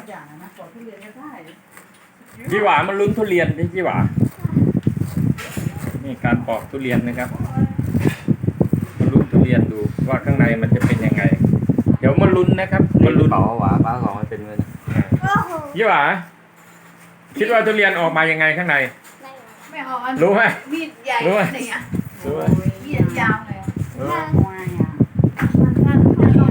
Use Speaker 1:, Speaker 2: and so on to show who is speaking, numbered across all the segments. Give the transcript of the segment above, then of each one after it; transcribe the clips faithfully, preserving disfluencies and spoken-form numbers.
Speaker 1: อย่างนะปอกทุเรียนก็ได้
Speaker 2: พี่หวามันลุ้นทุเรียนดิพี่หวานี่การปอกทุเรียนนะครับมันลุ้นทุเรียนดูว่าข้างในมันจะเป็นยังไง เดี๋ยวมาลุ้นนะครับมาลุ้น
Speaker 3: เป๋าหวาป้าของมันเป็นเงิน
Speaker 2: พี่หวาคิดว่าทุเรียนออกมายังไงข้างใน
Speaker 4: ไม่เอาอัน
Speaker 2: รู้ไหม
Speaker 4: มีดใหญ่
Speaker 2: รู้ไหม
Speaker 4: เนี่ย
Speaker 2: รู้ไหม
Speaker 4: มีดยาวเลย
Speaker 2: รู้ไหม
Speaker 1: วายอ่ะ
Speaker 4: มันสั้นแค่นี้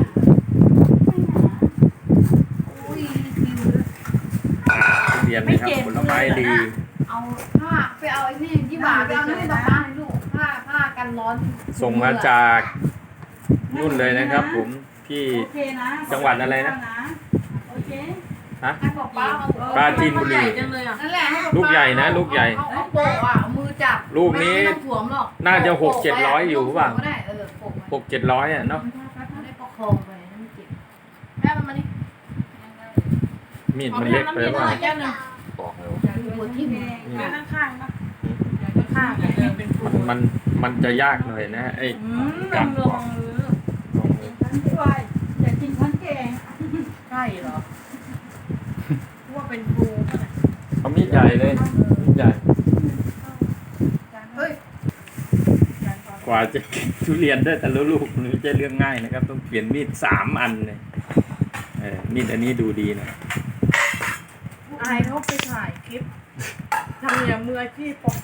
Speaker 4: อุ้ยคิวเลย
Speaker 2: ทุเรียนนะครับผลไม้ดี
Speaker 4: เอาผ้าไปเอาไอ้นี่ยี่บ่าไปเอานี่มาผ้าให้ลูกผ้าผ้ากันร้อน
Speaker 2: ส่งมาจากนู่นเลยนะครับ ผมที่
Speaker 1: โอเคนะ
Speaker 2: จังหวัดอะไรนะ
Speaker 1: โอเค
Speaker 2: ฮะ
Speaker 4: ให้บอกป้าเอา
Speaker 2: ปราจีนบุรี
Speaker 4: นั่นแหละให้บอก
Speaker 2: ลูกใหญ่นะลูกใหญ่
Speaker 4: เอาเอาโปะอ่ะเอามือจับ
Speaker 2: ลูกนี้
Speaker 4: ไม่ต้องสวมหรอก
Speaker 2: น่าจะหกเจ็ดร้อยอยู่เปล่า
Speaker 4: ก็ได้เออโปะ
Speaker 2: หกเจ็ดร้อยอ่ะเนาะ
Speaker 4: ไม่ได้ประคองไปนั่นไม่เจ็บแม่มันมานี่
Speaker 2: มีดมันเล็กไปว่า
Speaker 4: แก้วหนึ่ง
Speaker 3: บอกเลย
Speaker 4: ดูหัวทิ่ม
Speaker 1: ข้างข้างๆนะข้างๆเนี่ยเป็น
Speaker 2: มันมันมันจะยากหน่อยนะไอ้
Speaker 1: อืมล
Speaker 2: กา
Speaker 1: อ
Speaker 2: รง ป
Speaker 1: ล
Speaker 2: อ
Speaker 1: อก งมือ
Speaker 2: ลองมือ
Speaker 1: ฉันด้วยอยากกินทั้งแกง
Speaker 4: ใช่เหรอ
Speaker 1: ว่าเป็นครูป่ะเนี่ย
Speaker 2: เอามีดใหญ่เลยมีดใหญ่
Speaker 4: เฮ้ย
Speaker 2: กว่าจะกินทุเรียนได้แต่ละลูกมันไม่ใช่เรื่องง่ายนะครับ ต้องเปลี่ยนมีดสามอันเลยเออมีดอันนี้ดูดีหนะ
Speaker 1: อายเขาไปถ่ายคลิปทำอย่างมืออาชีพปอก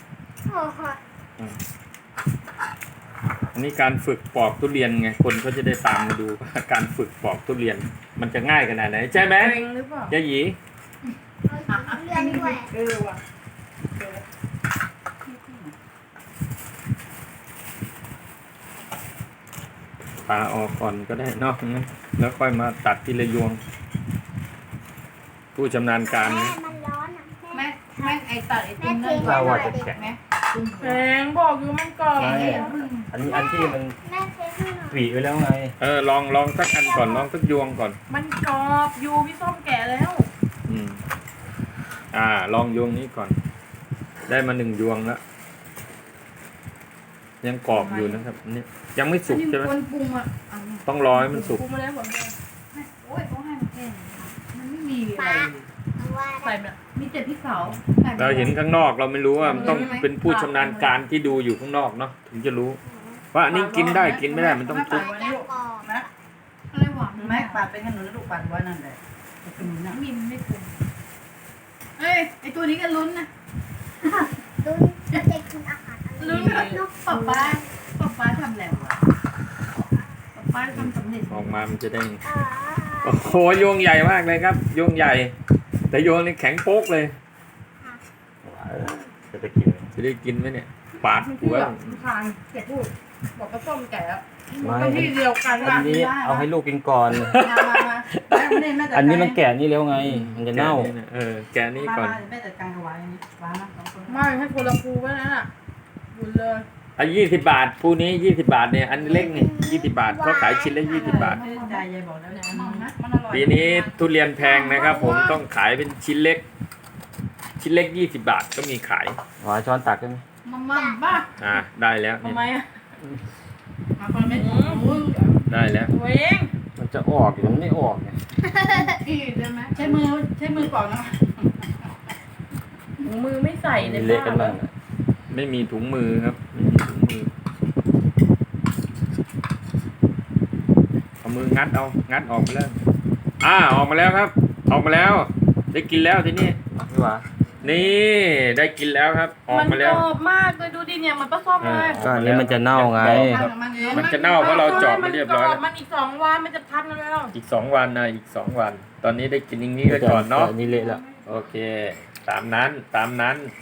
Speaker 2: อันนี้การฝึกปอกทุเรียนไงคนก็จะได้ตามมาดูว่าการฝึกปอกทุเรียน มันจะง่ายขนาดไหนใช่ไหม
Speaker 1: เกรงหรือเปล่า
Speaker 2: ยายหยี
Speaker 4: เลื่อนด้วย
Speaker 1: เออว่ะ
Speaker 2: ปาออกก่อนก็ได้เนอกแล้วค่อยมาตัดทีละยวง ผู้ชำนาญการนะ
Speaker 5: มันร้อนอ่ะ
Speaker 4: แม่แม่ไอ้ตัดไอ้ตุ้มนั่นก่อน
Speaker 3: ถ้าว่าจะแข็ง
Speaker 4: แม่ตุ้ม
Speaker 1: แพงบอกอยู่มันกรอบ
Speaker 3: ใช่
Speaker 1: เนี่ย
Speaker 3: อันนี้อันที่มัน
Speaker 5: แม่เทให้หน่อย
Speaker 3: หวีไว้แล้วไง
Speaker 2: เออลองลองสักอันก่อนลองสักยวงก่อน
Speaker 1: มันกรอบอยู่พี่ส้มแก่แล้ว
Speaker 2: อืมอ่า ลองยวงนี้ก่อน ได้มาหนึ่งยวงแล้วยังกรอบอยู่นะครับอันนี่ยังไม่สุกใช่ไหม
Speaker 4: คนปรุงอ่ะเอา
Speaker 2: ต้องรอให้มันสุก
Speaker 1: ปรุงมาแล้วผมเนี่ย
Speaker 4: โอ้ยเขาให้มาแค่นี้มันไม่มีอะไร
Speaker 5: เอาว่า
Speaker 1: ใส่แบบ
Speaker 4: มีแต่พริกเผา
Speaker 2: เราเห็นข้างนอกเราไม่รู้ว่ามันต้องเป็นผู้ชำนาญการที่ดูอยู่ข้างนอกเนาะถึงจะรู้ ว่าอันนี้กินได้กินไม่ได้มันต้องทุบ
Speaker 5: จะกรอบ
Speaker 1: นะ
Speaker 4: อะไรหวาน
Speaker 1: แม็กปาดเป็นขนมลูกปัดไว้นั่นแหละขนมนะ
Speaker 4: มีมันไม่ปรุงเอ้ยไอ้ตัวนี้ก็ลุ้นนะ
Speaker 5: ดูจะกินอาหารอะไร
Speaker 4: ลุ้นลูกป๊าป๊าป๊าป๊าทำแล้วอะป๊าป๊าทำสำเร็จ
Speaker 2: ออกมามันจะได้
Speaker 5: อ่า
Speaker 2: โอ้โหโยงใหญ่มากเลยครับโยงใหญ่ แต่โยงนี่แข็งโป๊กเลย
Speaker 3: จะไปกิน
Speaker 2: จะได้กินไหมเนี่ยปาดหัว
Speaker 1: ทานแกพูดบอกกระส้มแก่แล้ว
Speaker 3: ไม่
Speaker 1: ก็ที่เดียวกัน
Speaker 3: อันนี้เอาให้ลูกกินก่อน
Speaker 1: มามามาแม่แม่จัดการ
Speaker 3: อันนี้มันแก่นี่แล้วไง มันจะเน่า
Speaker 2: แกะเออแกะนี่ก่อน
Speaker 1: มาแม่จัดการกับไว้ร้านนะสองคนไม่ให้คนละครูไว้นั่นน่ะบุญเลย
Speaker 2: อ่ะยี่สิบบาทผู้นี้ยี่สิบบาทเนี่ยอันเล็กนี่ยี่สิบบาทเขาขายชิ้นละยี่สิบบาท
Speaker 1: ไม่ได้ใจยายบอกแล้วเนี่ยมันนะมันอร่อย
Speaker 2: ปีนี้ทุเรียนแพงนะครับ ผมต้องขายเป็นชิ้นเล็ก ชิ้นเล็กยี่สิบบาทก็มีขาย
Speaker 3: หวาช้อนตักได้ไหม
Speaker 4: มาม่าบ้า
Speaker 2: อ่าได้แล้ว
Speaker 1: ทำ
Speaker 2: เนี่ย
Speaker 1: ไมอ่ะ
Speaker 4: มาคนไม่ถูก
Speaker 2: ได้แล้ว
Speaker 1: ตัวเอง
Speaker 3: มันจะออกหรือมันไม่ออกเนี่ย
Speaker 4: อีกได้ไหม
Speaker 1: ใช้มือใช้มือเปล่านะมือไม่ใส่ใน
Speaker 3: มีเละกันบ้างอะ
Speaker 2: ไม่มีถุงมือครับไม่มีถุงมือเอามืองัดเอางัดออกมาแล้วอ่าออกมาแล้วครับ ออกมาแล้ว ได้กินแล้วทีนี้
Speaker 3: พี่หวา
Speaker 2: นี่ได้กินแล้วครับ ออก
Speaker 1: มัน
Speaker 2: มาก
Speaker 1: ร
Speaker 2: แล้ว
Speaker 1: อบมากเลยดูดิเนี่ยมันปลาส้มเลย
Speaker 3: ก็อันนี้มันจะเน่าไง
Speaker 2: มันจะเน่าเพราะเราเจาะมาเรียบร้อยแล้ว
Speaker 1: มันอีกสองวันมันจะพันแล้ว
Speaker 2: อีกสองวันนะอีกสองวัน ตอนนี้ได้กินอย่างนี้ไปก่อนเนาะ
Speaker 3: อันนี้เละแล้ว
Speaker 2: โอเค ตามนั้นตามนั้น